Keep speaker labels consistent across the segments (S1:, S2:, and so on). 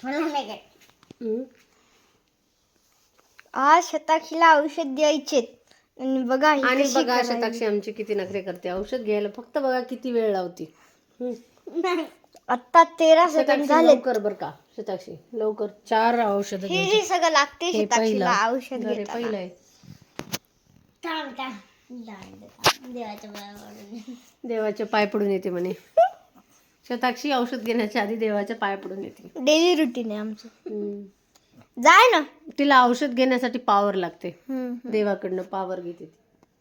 S1: आज शताक्षीला औषध द्यायचे आणि बघा ही
S2: आणि
S1: कशी
S2: बघा
S1: करायची.
S2: शताक्षी आमची किती नखरे करते औषध घ्यायला. फक्त बघा किती वेळ लावती.
S1: आता 13 सेकंड
S2: शताक्षी
S1: झाले.
S2: लवकर बर का शताक्षी लवकर 4 औषध
S1: हे सगळं लागते
S2: हे
S1: शताक्षीला
S2: पहिलं
S1: औषध
S2: अरे
S1: घेताना.
S2: पहिलं आहे. देवाचे पाय पडून येते म्हणे. शताक्षी औषध घेण्याच्या आधी देवाच्या पाय पडून येते.
S1: डेली रुटीन आहे आमचं. जाय ना.
S2: तिला औषध घेण्यासाठी पावर लागते. देवाकडनं पावर घेते ती.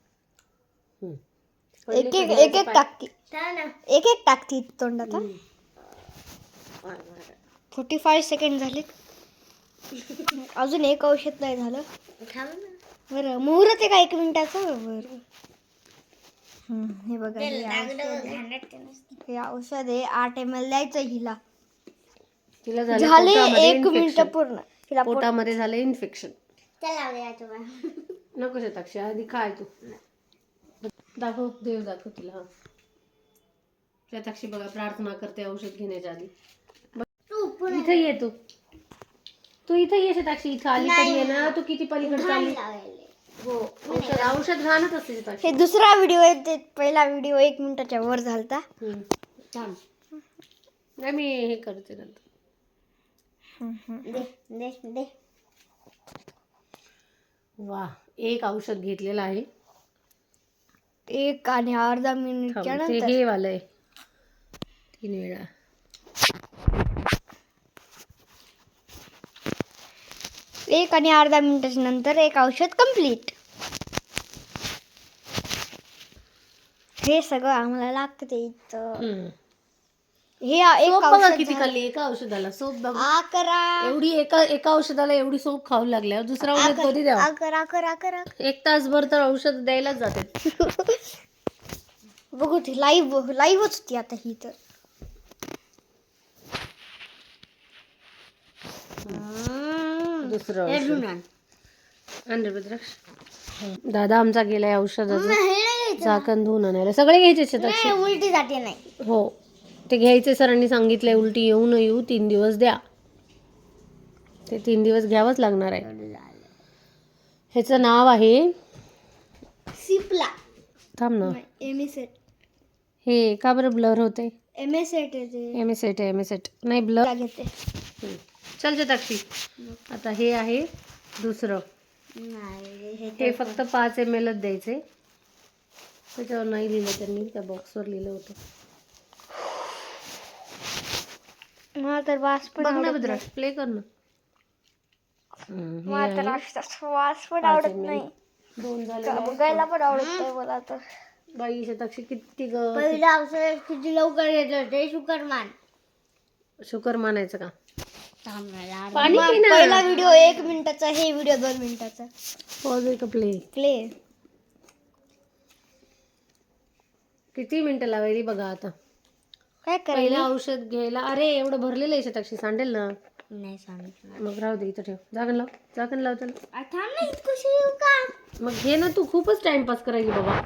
S1: एक एक टाकती. एक एक टाकती तोंडात. 45 सेकंड झाले. अजून एक औषध नाही झालं. बरं मुहूर्त आहे का 1 मिनिटाचं. बरं हे बघा हे औषध आहे 8 ml द्यायचं हिला.
S2: तिला
S1: झाले 1 मिनिट पूर्ण. तिला
S2: पोटामध्ये झालं इन्फेक्शन. नको शताक्षी आधी काय तू दाखव देव दाखव तिला. शताक्षी बघा प्रार्थना करते औषध घेण्याच्या आधी. इथे ये तू इथे ये शताक्षी. इथं आली तरी ये ना. तू किती पलीकडे चालली. हो औषध घालत असते शताक्षी.
S1: हे दुसरा व्हिडिओ आहे. ते पहिला व्हिडिओ 1 मिनिटाच्या वर झालता.
S2: थांब नाही मी हे करते नंतर. वा एक औषध घेतलेलं आहे.
S1: 1 आणि अर्धा मिनिटच्या
S2: ते
S1: नंतर
S2: हे वालंय 3 वेळा.
S1: एक आणि अर्धा मिनिटाच्या नंतर एक औषध कंप्लीट. हे सगळं आम्हाला लागतं ते इथं. हे एक औषध
S2: किती खाल्ली एका औषधाला. सोप बघा
S1: 11
S2: एवढी एका औषधाला एवढी सोप खाऊ लागल्यावर दुसरा औषध कधी द्यावा.
S1: 11
S2: 1 तासभर तर औषध द्यायलाच जाते.
S1: बघू ती लाईव्हच होती आता ही तर.
S2: दुसरं रुद्राक्ष. दादा आमचा गेलाय औषधाचं झाकण धुवून आणायला. सगळे घ्यायचे शताक्षी.
S1: उलटी जाते नाही.
S2: हो ते घ्यायचे. सरांनी सांगितलंय उलटी येऊ न येऊ 3 दिवस द्या. ते 3 दिवस घ्यावंच लागणार आहे. ह्याचं नाव आहे
S1: सिप्ला.
S2: थांब ना.
S1: एमिसेट.
S2: हे का बरं ब्लर होते.
S1: एमिसेट
S2: एमिसेट नाही ब्लर
S1: घेते.
S2: चल शताक्षी आता हे आहे दुसरं. हे फक्त 5 ml द्यायचे. त्याच्यावर नाही लिहिलं त्यांनी. त्या बॉक्सवर लिहिलं होतं.
S1: मला तर वास पण
S2: बघ ना
S1: आवडत
S2: रुद्राक्ष प्ले कर ना.
S1: मला तर वास पण आवडत नाही.
S2: 2 झाले.
S1: बघायला पण आवडत नाही मला तर.
S2: बाई शताक्षी किती
S1: पहिला औषध किती लवकर येतं ते
S2: शुकर मानायचं का.
S1: पाणी पहिला व्हिडिओ 1 मिनिटाचा. हे व्हिडिओ 2 मिनिटाचा.
S2: पॉज आहे का प्ले. किती मिनिटं लावायली बघा आता.
S1: काय
S2: पहिलं
S1: करायला.
S2: औषध घ्यायला. अरे एवढं भरलेलं आहे शताक्षी सांडेल ना.
S1: नाही सांगितलं.
S2: मग राहू दे इथं ठेव. झाकण लाव त्याला.
S1: थांब ना कशी येऊ का.
S2: मग घे ना तू. खूपच टाइमपास करायची बाबा.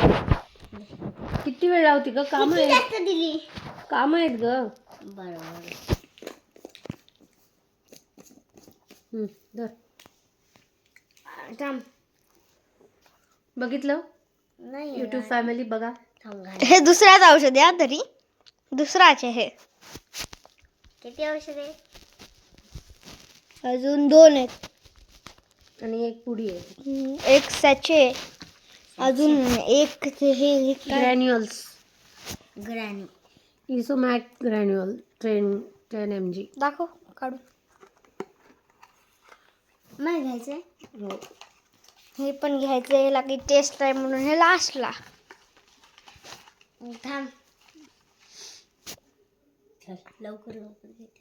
S2: किती वेळ लावती ग. काम आहेत
S1: दिली.
S2: काम आहेत ग.
S1: बरोबर.
S2: धर.
S1: थांब.
S2: बघितलं
S1: नाही
S2: युट्यूब फॅमिली बघा.
S1: हे दुसऱ्याच औषध आहे तरी. दुसराच आहे हे. किती औषध आहे. अजून 2 आहेत.
S2: आणि एक पुडी आहे.
S1: एक सॅचे. अजून एक हे
S2: ग्रॅन्युअल्स.
S1: ग्रॅन्यू
S2: इसोमॅक ग्रॅन्युअल 10 mg.
S1: दाखव काढून. नाही घ्यायचंय.
S2: हो
S1: हे पण घ्यायचंय. ह्याला काही टेस्ट आहे म्हणून हे लास्टला. थांब लवकर घेते.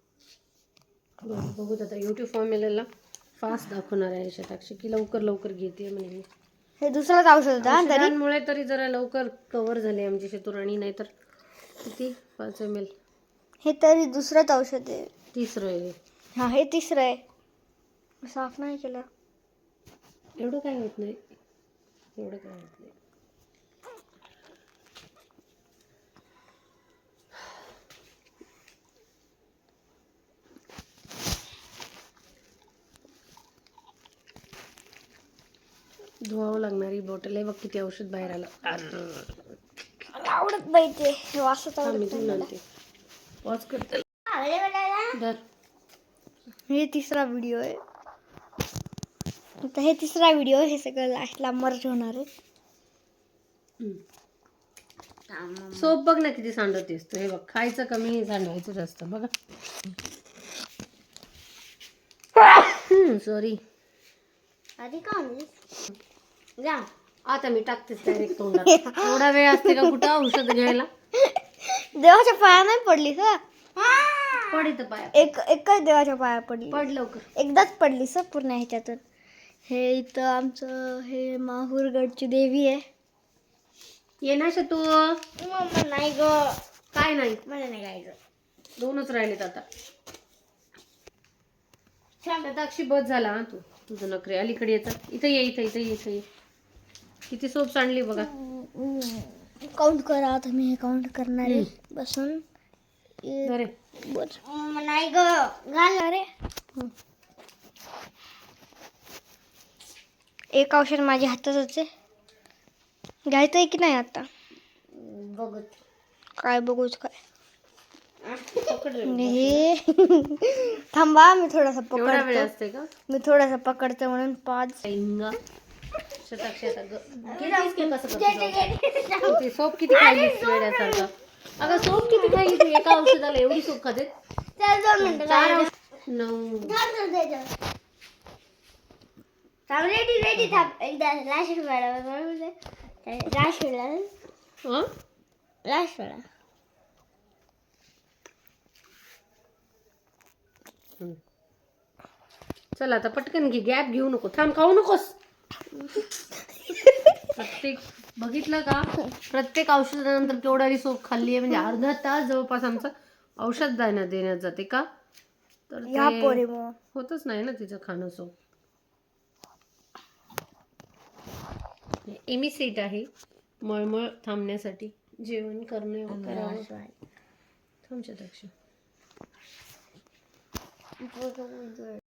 S2: बघूत आता युट्यूब फॅमिलीला फास्ट दाखवणार आहे शताक्षी की लवकर घेते म्हणे.
S1: हे दुसरंच औषध होतं तरी.
S2: मुळे तरी जरा लवकर कव्हर झाले आमची शेतुराणी. नाही तर किती 5 ml.
S1: हे तरी दुसरंच औषध आहे.
S2: तिसरं आहे.
S1: हा हे तिसरं आहे. साफ नाही केलं.
S2: एवढं काय होत नाही. धुवावं लागणारी बॉटल आहे बघ, किती औषध बाहेर आलं.
S1: मला आवडत नाही ते वासच
S2: मी
S1: आवडत
S2: धुवून
S1: नाही
S2: आणते. पॉज करते.
S1: मला.
S2: धर.
S1: हे तिसरा व्हिडिओ आहे. आता हे तिसरा व्हिडिओ, हे सगळं लास्टला मर्ज होणार आहे.
S2: सोप बघ ना किती सांडवतेस तू. हे बघ, खायचं कमी, सांडवायचं जास्त. बघा. सॉरी.
S1: आधी का जा.
S2: आता मी टाकतेच डायरेक्ट तोंडात. थोडा वेळ असते का कुठं औषध घ्यायला?
S1: देवाच्या पाया नाही पडली का?
S2: पड इथं पाया.
S1: एकच देवाच्या पाया पडली.
S2: पड लवकर.
S1: एकदाच पडली सर पूर्ण ह्याच्यातून. हे इथं आमचं हे माहूरगडची देवी आहे.
S2: ये ना तू.
S1: मम्मा नाही ग.
S2: काय नाही?
S1: मला नाही गायचं.
S2: 2च राहिलेत आता. अक्षी बस झाला हा. तुझं नखरे अलीकडे येतात. इथं ये, इथं ये. किती सोप सांडली बघा.
S1: काउंट करा. आता मी हे काउंट करणार आहे बसून.
S2: अरे
S1: नाही ग. घाल रे. एक औषध माझ्या हातातच आहे. घ्यायचंय की नाही आता? बघू. काय बघूच काय? हे थांबा, मी थोडासा पकडतो. मी थोडासा पकडतो म्हणून 5.
S2: सोप किती खाल्ली वेड्यासारखं. अगं सोप किती खाल्ली तू? एका औषधाला एवढी सोप खाते?
S1: 2 मिनिटं.
S2: 9.
S1: रेडी थांब. एकदा लास्ट वेळा
S2: चल आता पटकन घे. गॅप घेऊ नको. थांब, खाऊ नकोस. प्रत्येक बघितलं का? प्रत्येक औषधानंतर केवढी सोप खाल्ली आहे. म्हणजे अर्धा तास जवळपास आमचं औषध देण्यात जाते का? तर ते होतच नाही ना तिचं खाणं सोप. एमिसेट आहे मळमळ थांबण्यासाठी. जेवण करणे करावं. थांबच्या दक्ष.